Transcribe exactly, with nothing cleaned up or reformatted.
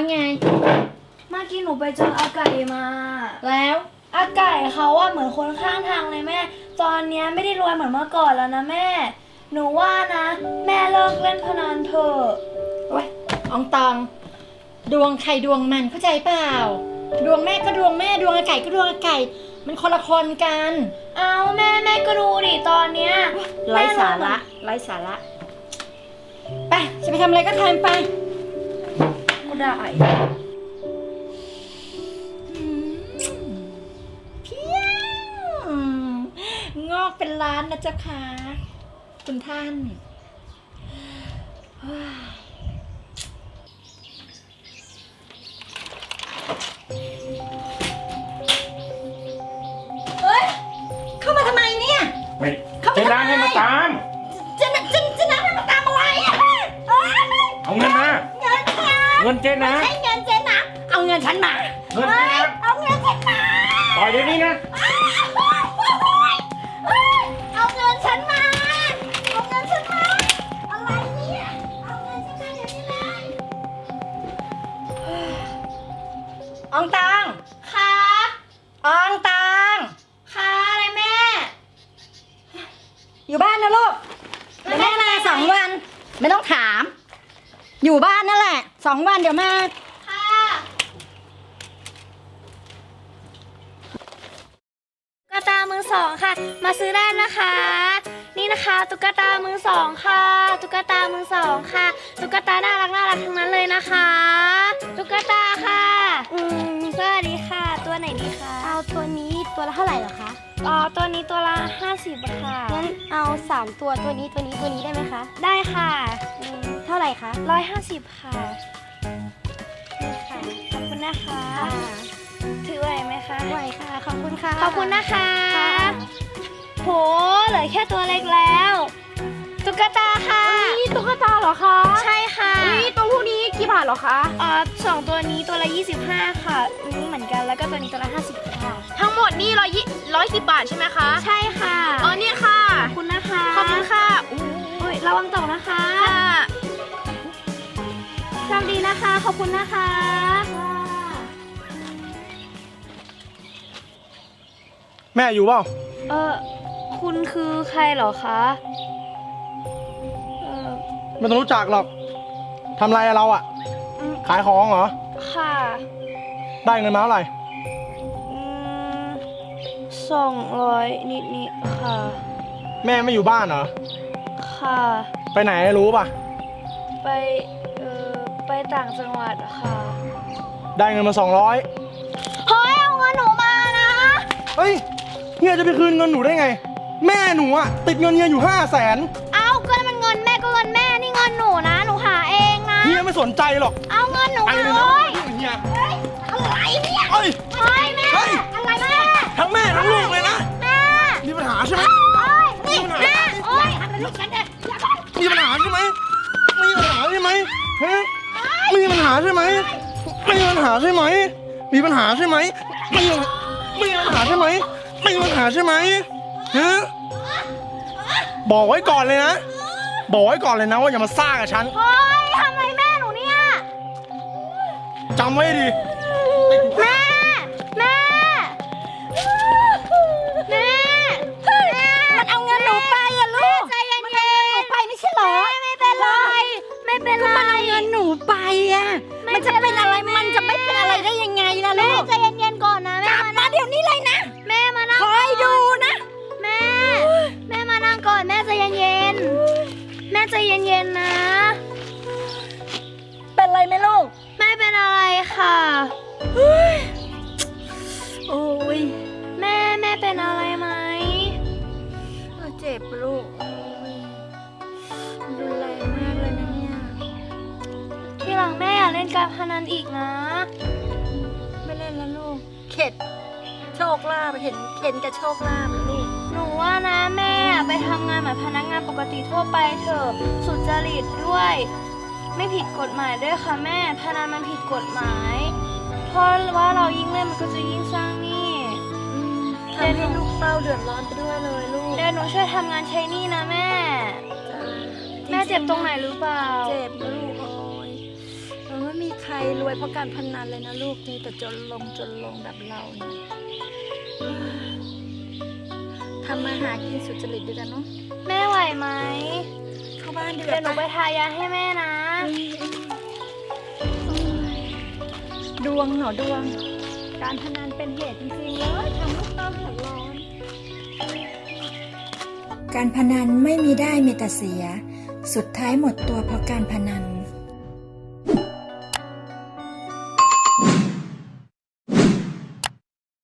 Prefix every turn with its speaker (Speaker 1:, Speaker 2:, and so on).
Speaker 1: ไง
Speaker 2: เมื่อกี้หนูไปเจออาไก่มา
Speaker 1: แล้ว
Speaker 2: อาไก่เขาว่าเหมือนคนข้างทางเลยแม่ตอนนี้ไม่ได้รวยเหมือนเมื่อก่อนแล้วนะแม่หนูว่านะแม่เลิกเล่นพนันเถอะ
Speaker 1: โอ๊ยอองตองดวงใครดวงมันเข้าใจเปล่าดวงแม่ก็ดวงแม่ดวงอาไก่ก็ดวงอาไก่มันคนละคนกัน
Speaker 2: เอาแม่แม่ก็ดูดิตอนเนี้ย
Speaker 1: ไร้สาระไร้สาระไปจะไปทำอะไรก็ทำไป
Speaker 2: ก็ได้
Speaker 1: เพี้ยงอกเป็นล้านนะเจ้าค่ะคุณท่านเฮ้ยเข้ามาทำไมเนี่ย
Speaker 3: ไม่เจ๊น้ำให้มาตาม
Speaker 1: เจ๊น้ำเจ๊เจ๊น้ำให้มาตามอะไรอ่ะ
Speaker 3: เอาเงินมา
Speaker 1: เงินค่ะ
Speaker 3: เงินเจ๊น้ำ
Speaker 1: ใช้เงินเจ๊น้ำเอาเงินฉันมา
Speaker 3: เงินเจ๊น้ำ
Speaker 1: เอาเงินฉันมา
Speaker 3: ปล่อยเดี๋ยวนี้นะ
Speaker 1: เอาเงินฉันมาเอาเงินฉันมาอะไรเนี่ยเอาเงินฉันมาเดี๋ยวนี้เลยอองตัง
Speaker 2: ค่ะ
Speaker 1: อองตัง
Speaker 2: ค่ะอะไรแม่
Speaker 1: อยู่บ้านนะลูกเดี๋ยวแม่มาสองวันไม่ต้องถามอยู่บ้านนั่นแหละสองวันเดี๋ยวมา
Speaker 2: ค่ะตุ๊กตามือสองค่ะมาซื้อได้นะคะนี่นะคะตุ๊กตามือสองค่ะตุ๊กตามือสองค่ะตุ๊กตาน่ารักน่ารักทั้งนั้นเลยนะคะตุ๊กตาค่ะอืมสวัสดีค่ะตัวไหนดีคะ
Speaker 4: เอาตัวนี้ตัวละเท่าไหร่เหรอคะ
Speaker 2: อ๋อตัวนี้ตัวละห้าสิบค่ะ
Speaker 4: งั้นเอาสามตัวตัวนี้ตัวนี้ตัวนี้ได้ไหมคะ
Speaker 2: ได้ค่ะ
Speaker 4: อืมเท่าไหร่คะ
Speaker 2: ร้อยห้าสิบค่ะนี่ค่ะขอบคุณนะคะถือไหวไหมคะ
Speaker 4: ไหวค่ะขอบคุณค่ะ
Speaker 2: ขอบคุณนะคะโหเหลือแค่ตัวเล็กแล้วตุ๊กตาค่ะ
Speaker 4: นี่ตุ๊กตาเหรอคะ
Speaker 2: ใช่ค่ะ
Speaker 4: นี่ตัวพวกนี้กี่บาทเหรอคะ
Speaker 2: อ๋อสองตัวนี้ตัวละยี่สิบห้าค่ะนี่เหมือนกันแล้วก็ตัวนี้ตัวละห้าสิบค่ะ
Speaker 4: ทั้งหมดนี่ร้อยยี่ร้อยสิบบาทใช่ไหมคะ
Speaker 2: ใช่ค่ะ
Speaker 4: อ๋อเนี่ยค่ะ
Speaker 2: ขอบคุณนะคะ
Speaker 4: ขอบคุณค่ะ
Speaker 2: อุ้ยระวังตกนะคะโชคดีนะคะขอบคุณนะคะ
Speaker 3: แม่อยู่เปล่า
Speaker 2: เออคุณคือใครเหรอคะเออ
Speaker 3: ไม่ต้องรู้จักหรอกทำไรเราอ่ะขายของเหรอ
Speaker 2: ค่ะ
Speaker 3: ได้เงินมาเท่าไหร่
Speaker 2: อืมสองร้อยนิดนิดค่ะ
Speaker 3: แม่ไม่อยู่บ้านเหรอ
Speaker 2: ค่ะ
Speaker 3: ไปไหนรู้ป่ะ
Speaker 2: ไปเออไปต่างจังหวัดค่ะ
Speaker 3: ได้เงินมาสองร้อย
Speaker 2: เฮ้ยเอาเงินหนูมานะ
Speaker 3: เฮ้ยเฮียจะไปคืนเงินหนูได้ไงแม่หนูอะติดเงินเฮียอยู่ห้าแสน
Speaker 2: เอาก็มันเงินแม่ก็เงินแม่นี่เงินหนูนะหนูหาเองนะ
Speaker 3: เฮียไม่สนใจหรอก
Speaker 2: เอาเงินหนูมาเลย
Speaker 3: เฮีย
Speaker 2: อะไรเนี่ย
Speaker 3: เฮ้ย
Speaker 2: เฮ้ยแม่อะไรแม่
Speaker 3: ทั้งแม่ทั้งลูกเลยนะ
Speaker 2: แม่
Speaker 3: มีปัญหาใช่ไหม
Speaker 2: มีปัญหาแม่โอ๊ยทำอะไรลูกฉันเนี่ย
Speaker 3: มีปัญหาใช่ไหมมีปัญหาใช่ไหมฮะมีปัญหาใช่ไหมมีปัญหาใช่ไหมมีปัญหาใช่ไหมมีมีปัญหาใช่ไหมมีปัญหาใช่ไหมฮะบอกไว้ก่อนเลยนะบอกไว้ก่อนเลยนะว่าอย่ามาซ่ากับฉัน
Speaker 2: เฮ้ยทำอะไรแม่หนูเนี่ย
Speaker 3: จำไว้ดิ
Speaker 2: แม่แม่แม่
Speaker 1: มันเอาเงินหนูไปอะลูก
Speaker 2: ใจเย็นๆหนูไปไม่ใช่หรอไม่เป็นไรไม่เป็นไร
Speaker 1: มันเอาเงินหนูไปอะมันจะเป็นอะไรมันจะไม่เป็นอะไรได้ยังไงล่ะลูก
Speaker 2: ใจเย็นๆก่อนนะแม่
Speaker 1: มาเดี๋ยวนี้เลยนะ
Speaker 2: แม่มานั่ง
Speaker 1: คอยดูนะ
Speaker 2: แม่แม่มานั่งก่อนแม่ใจเย็นๆแม่ใจเย็นๆนะ
Speaker 1: เป็นไรไหมลูก
Speaker 2: ไม่เป็นอะไรค่ะ
Speaker 1: โอ้ย
Speaker 2: แม่แม่เป็นอะไรไหม
Speaker 1: เจ็บลูกดูแลมากเลยนะเนี่ย
Speaker 2: ทีหลังแม่อย่าเล่นการพนันอีกนะ
Speaker 1: ไม่เล่นแล้วลูกเข็ดโชคลาภเห็นเห็นกับโชคลาภแล้วลูก
Speaker 2: หนูว่านะแม่ไปทำงานเหมือนพนักงานปกติทั่วไปเถอะสุจริตด้วยไม่ผิดกฎหมายด้วยค่ะแม่พนันมันผิดกฎหมายเพราะว่าเรายิ่งเล่นมันก็จะยิ่งสร้างหนี้
Speaker 1: ทำให้ลูกเต้าเดือดร้อนไปด้วยเลยลูก
Speaker 2: เดี๋ยวหนูช่วยทำงานใช้หนี้นะแม่แม่เจ็บตรงไหนหรือเปล่า
Speaker 1: เจ็บลูกโอ้ยไม่มีใครรรวยเพราะการพนันเลยนะลูกนี่แต่จนลงจนลงแบบเราเนี่ยทำมาหากินสุจริตดีกันเนาะ
Speaker 2: แม่ไหวไหม
Speaker 1: เข้าบ้านดีก
Speaker 2: เดี๋ยวหนู
Speaker 1: ว่า
Speaker 2: ไป
Speaker 1: ปะ
Speaker 2: ทายาให้แม่นะ
Speaker 1: ดวงเหรอดวง การพนันเป็นเหตุจริงๆเลยทำลูกเต้าเดือดร้อน
Speaker 5: การพนันไม่มีได้มีแต่เสีย สุดท้ายหมดตัวเพราะการพนัน